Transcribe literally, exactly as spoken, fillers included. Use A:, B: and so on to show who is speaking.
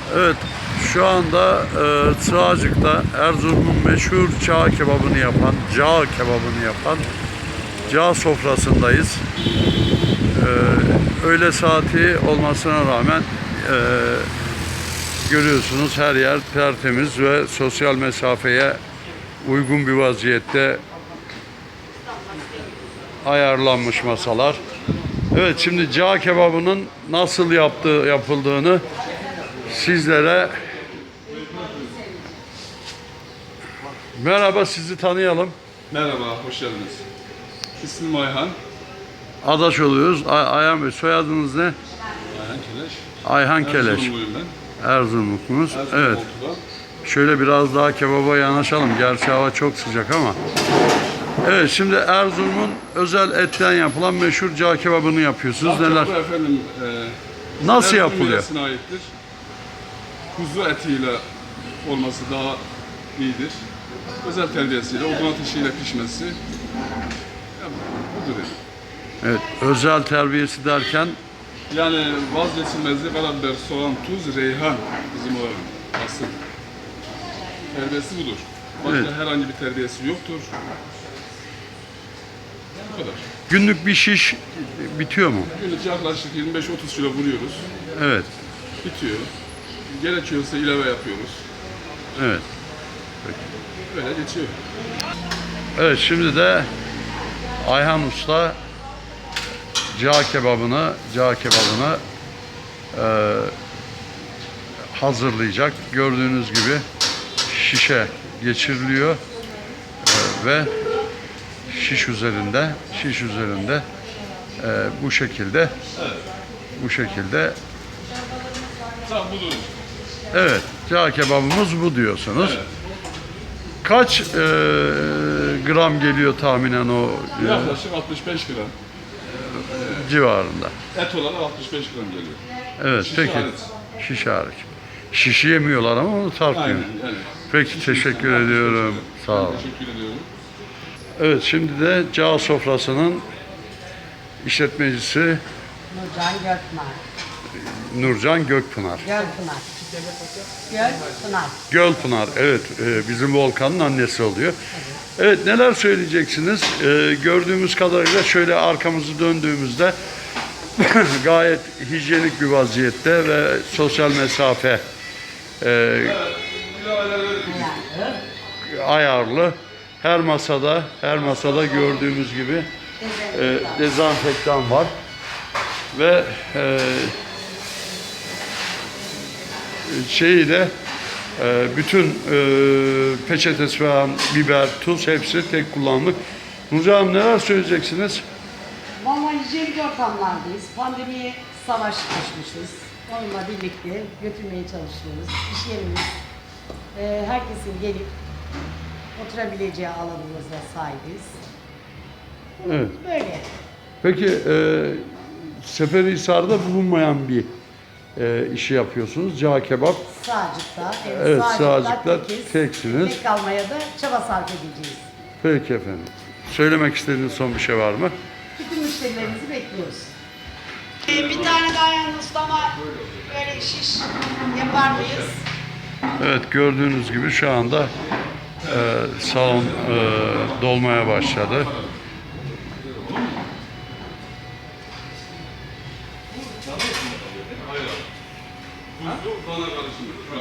A: Evet, şu anda e, Sığacık'ta Erzurum'un meşhur cağ kebabını yapan, cağ kebabını yapan cağ sofrasındayız. E, öğle saati olmasına rağmen e, görüyorsunuz her yer tertemiz ve sosyal mesafeye uygun bir vaziyette ayarlanmış masalar. Evet, şimdi cağ kebabının nasıl yaptığı, yapıldığını sizlere merhaba, sizi tanıyalım.
B: Merhaba, hoş geldiniz. İsmim Ayhan.
A: Adaş oluyoruz. Ay Ayhan Bey, soyadınız ne?
B: Ayhan Keleş.
A: Ayhan Keleş.
B: Erzurumluyum ben.
A: Erzurumlusunuz.
B: Erzurum
A: Evet.
B: Oltu'da.
A: Şöyle biraz daha kebaba yanaşalım. Gerçi hava çok sıcak ama. Evet, şimdi Erzurum'un özel etten yapılan meşhur cağ kebabını yapıyorsunuz.
B: Cağ
A: Neler?
B: kebabı efendim, e,
A: Nasıl
B: Erzurum
A: yapılıyor?
B: yöresine aittir. Kuzu etiyle olması daha iyidir. Özel terbiyesiyle, odun ateşiyle pişmesi. Ya, budur yani.
A: Evet, özel terbiyesi derken
B: Yani vazgeçilmezi karabiber, soğan, tuz, reyhan bizim oranın asıl. Terbiyesi budur. Başka
A: Evet.
B: herhangi bir terbiyesi yoktur. Bu kadar.
A: günlük bir şiş bitiyor mu?
B: Günlük yaklaşık yirmi beş otuz kilo vuruyoruz.
A: Evet.
B: Bitiyor. Gerekiyorsa ilave yapıyoruz.
A: Evet.
B: Böyle geçiyor.
A: Evet, şimdi de Ayhan Usta cağ kebabını, cağ kebabını e, hazırlayacak. Gördüğünüz gibi şişe geçiriliyor e, ve şiş üzerinde, şiş üzerinde e, bu şekilde, bu şekilde.
B: Tam budur.
A: Evet, cağ kebabımız bu diyorsunuz.
B: Evet.
A: Kaç e, gram geliyor tahminen o e,
B: Yaklaşık altmış beş gram.
A: civarında?
B: Et olarak altmış beş gram geliyor.
A: Evet,
B: Şişi
A: peki.
B: hariç.
A: Şiş hariç. Şişi yemiyorlar ama onu tartmıyor.
B: Aynen yani.
A: Peki, teşekkür
B: altmış beş
A: ediyorum.
B: gram.
A: Sağ olun.
B: Ben teşekkür ediyorum.
A: Evet, şimdi de cağ sofrasının işletmecisi
C: Nurcan Gökpınar.
A: Nurcan Gökpınar.
C: Gölpınar. Gölpınar.
A: Gölpınar, evet, e, bizim Volkan'ın annesi oluyor. Evet, neler söyleyeceksiniz? E, gördüğümüz kadarıyla şöyle arkamızı döndüğümüzde gayet hijyenik bir vaziyette ve sosyal mesafe e, ayarlı. Her masada, her masada gördüğümüz gibi e, dezenfektan var ve e, şeyi de e, bütün e, peçetesi falan, biber, tuz hepsi tek kullanımlık. Nurcan Hanım, neler söyleyeceksiniz?
C: Valla hijyenik ortamlardayız. Pandemiye savaş açmışız. Onunla birlikte götürmeye çalışıyoruz. İş yerimiz, e, herkesin gelip oturabileceği alanımıza sahibiz.
A: Evet.
C: Böyle.
A: Peki e, Seferihisar'da bulunmayan bir e, işi yapıyorsunuz. Cağ kebap.
C: Sağcık'ta,
A: Evet,
C: Sağcık'ta
A: Sığacık'ta
C: tekiz.
A: teksiniz.
C: Tek kalmaya da çaba sarf edeceğiz.
A: Peki efendim. Söylemek istediğiniz son bir şey var mı?
C: Bütün müşterilerimizi bekliyoruz. Ee, bir tane daha yalnız ustama böyle şiş yapar mıyız?
A: Evet, gördüğünüz gibi şu anda e, salon e, dolmaya başladı.
B: Tuzlu dana karışımı şu an.